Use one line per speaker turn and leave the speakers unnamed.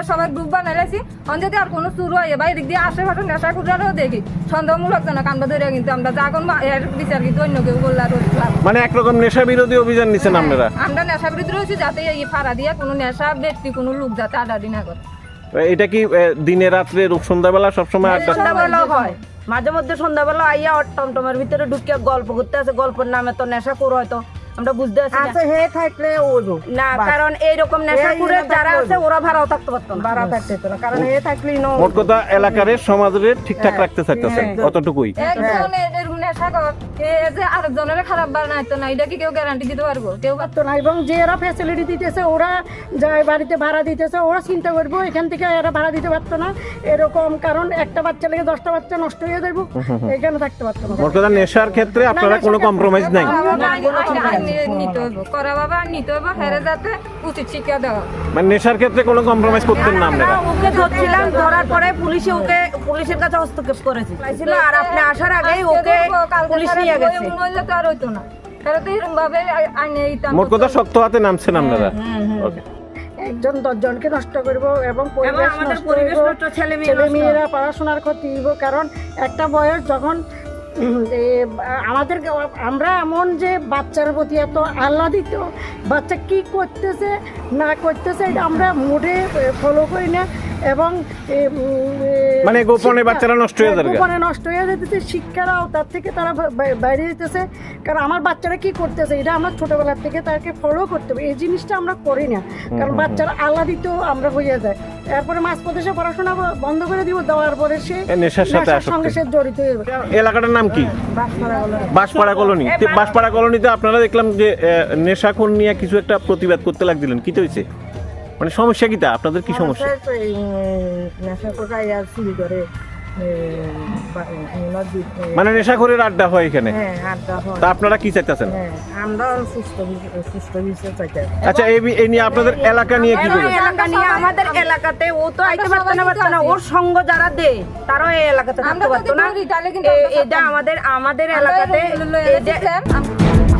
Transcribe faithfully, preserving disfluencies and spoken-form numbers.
আমরা সবাই গ্রুপ বানাইছি অন যদি আর কোনো শুরু হয় বা এদিক দিয়ে আশেপাশে নেশা খুঁজারও দেখি সন্দেহমূলক জনক আমরা ধরে কিন্তু আমরা যখন এর বিচার কিন্তু অন্য কেউ করলে আর
মানে একরকম নেশা বিরোধী অভিযান নিচ্ছেন আপনারা?
আমরা নেশা বিরোধী রয়েছি যাতে এই ফাড়া দিয়ে কোনো নেশা ব্যক্তি কোনো লোক যাতে আডাডি না করে।
এটা কি দিনে রাত্রে সন্ধ্যাবেলা সবসময় আড্ডা?
সন্ধ্যাবেলা হয়, মাঝে মধ্যে সন্ধ্যাবেলা আইয়া টমটমের ভিতরে ঢুকিয়া গল্প করতে আছে, গল্পের নামে তো নেশা করো হয়তো আমরা বুঝতে আছি
আচ্ছা হে থাকলে ওইবো
না, কারণ এইরকম নেশা করে যারা আছে ওরা ভাড়াও থাকতে পারতো না,
বাড়া থাকতে তো না, কারণ হে থাকলেই ন
মোট কথা এলাকার সমাজের ঠিকঠাক রাখতে চাইতেছেন অতটুকুই।
একজন এরকম নেশা কর এ যে আরেকজনের খারাপ বানাইতো না, এটা কি কেউ গ্যারান্টি দিতে পারবো? কেউ
পারতো না। এবং যে এরা ফ্যাসিলিটি দিতেছে, ওরা যায় বাড়িতে ভাড়া দিতেছে, ওরা চিন্তা করবো এখান থেকে এরা ভাড়া দিতে পারতো না এরকম, কারণ একটা বাচ্চা লেগে দশটা বাচ্চা নষ্ট হয়ে যাবো, এখানে থাকতে পারতো না।
মোট কথা নেশার ক্ষেত্রে আপনারা কোনো কম্প্রোমাইজ নাই?
নিতে হইব করা বাবা নিতে হইব হেরে যাতে উচিত শিক্ষা দেওয়া।
মানে নেশার ক্ষেত্রে কোনো কম্প্রোমাইজ করতেন না আপনারা?
ওকে ধরছিলাম, ধরার পরে পুলিশে ওকে পুলিশের কাছে হস্তক্ষেপ করেছে আর আপনি আসার আগেই ওকে পুলিশ নিয়ে গেছে।
মহিলা তো আর হইতো না, তারা তো এরকম ভাবে আইনে দিতাম।
মোট কথা শক্ত হাতে নামছেন আপনারা। ওকে,
একজন দশজনকে নষ্ট করবো এবং পরিবেশ
আমাদের
নষ্ট
পরিবেশ
করবো,
নষ্ট, ছেলে মেয়ে
ছেলে
নষ্ট।
মেয়েরা পড়াশোনার ক্ষতি হইব, কারণ একটা বয়স যখন উম, এ, আমাদের আমরা এমন যে বাচ্চার প্রতি এত আহ্লাদিত, বাচ্চা কি করতেছে না করতেছে এটা আমরা মোটে ফলো করি না, এবং এ, উম, এ,
মানে গোপনে
শিক্ষা-
বাচ্চারা নষ্ট হয়ে যাবে।
গোপনে নষ্ট হয়ে যেতেছে, শিক্ষারাও তার থেকে তারা বা- বাইরে যেতেছে, কারণ আমার বাচ্চারা কি করতেছে এটা আমরা ছোটবেলার থেকে তাকে ফলো করতে হবে, এই জিনিসটা আমরা করি না, কারণ বাচ্চারা আহ্লাদিত আমরা হয়ে যায়, এরপরে মাঝপথে সে পড়াশোনা বন্ধ করে দিব, দেওয়ার পরে সে
এ নেশার সাথে
নেশার সঙ্গে
আসক্ত।
সে জড়িত হয়ে যাবে।
এলাকাটার নাম কি? বাঁশপাড়া কলোনি। তো বাঁশপাড়া কলোনিতে আপনারা দেখলাম যে আহ, নেশাখোর নিয়ে কিছু একটা প্রতিবাদ করতে লাগছিলেন, কি হয়েছে? মানে সমস্যা কিটা? আপনাদের কি সমস্যা?
নেশা কোথায় আর চুরি করে
মানে নেশাখোরের আড্ডা হয় এখানে,
হ্যাঁ আড্ডা হয়,
তা আপনারা কি চাইতেছেন?
হ্যাঁ আমরা সুস্থ সুস্থ বিষয় চাইতে।
আচ্ছা, এই বি- এই নিয়ে আপনাদের এলাকা নিয়ে কি
এবং
বলবেন?
এলাকা নিয়ে আমাদের এলাকাতে ও তো আইতে পারতো না পারতো না, ওর সঙ্গ যারা দেয় তারাও এই এলাকাতে থাকতে
আমরা
পারতো
যদি
না।
করি, তাহলে কিন্তু
এ-
আমরা
এটা
থাকতাম।
আমাদের আমাদের
আমরা
এলাকাতে
এরকম লইয়া
এই যে
গেছিলাম, আম-